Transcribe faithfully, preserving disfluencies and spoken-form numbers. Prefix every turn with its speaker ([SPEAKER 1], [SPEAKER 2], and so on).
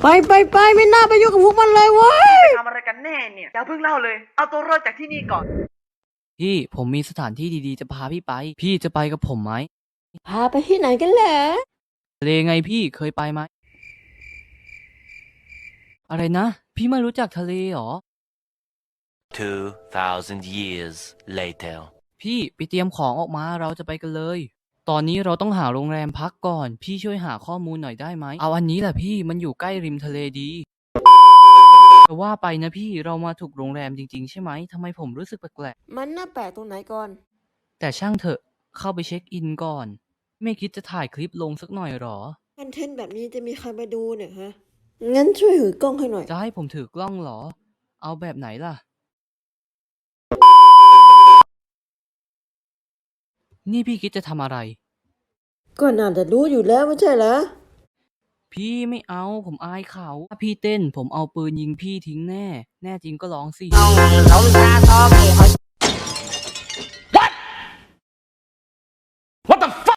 [SPEAKER 1] ไปไปไปไม่น่าไปยุ่งกับพวกมันเลยเว้ย
[SPEAKER 2] ทำอะไรกันแน่เนี่ยอย่าเพิ่งเล่าเลยเอาตัวรอดจากที่นี่ก่อน
[SPEAKER 3] พี่ผมมีสถานที่ดีๆจะพาพี่ไป พี่จะไปกับผมไหม
[SPEAKER 1] พาไปที่ไหนกันเหรอ
[SPEAKER 3] ทะเลไงพี่เคยไปไหมอะไรนะพี่ไม่รู้จักทะเลหรอ
[SPEAKER 4] Two thousand years later
[SPEAKER 3] พี่ไปเตรียมของออกมาเราจะไปกันเลย ตอนนี้เราต้องหาโรงแรมพักก่อน พี่ช่วยหาข้อมูลหน่อยได้ไหมเอาอันนี้แหละพี่มันอยู่ใกล้ริมทะเลดีแต่ว่าไปนะพี่เรามาถูกโรงแรมจริงๆใช่ไหมทำไมผมรู้สึกแปลก
[SPEAKER 1] มันน่าแปลกตรงไหนก่อน
[SPEAKER 3] ๆแต่ช่างเถอะเข้าไปเช็คอินก่อน ไม่คิดจะถ่ายคลิปลงสักหน่อยหรอ
[SPEAKER 1] คอนเทนต์แบบนี้จะมีใครมาดูเนี่ยฮะงั้นช่วยถือกล้องให้หน่อย
[SPEAKER 3] จะให้ผมถือกล้องเหรอเอาแบบไหนล่ะนี่พี่คิดจะทำอะไร
[SPEAKER 1] ก็น่าจะรู้อยู่แล้วไม่ใช่เหรอ
[SPEAKER 3] พี่ไม่เอาผมอายเขาถ้าพี่เต้นผมเอาปืนยิงพี่ทิ้งแน่แน่จริงก็ร้องสิ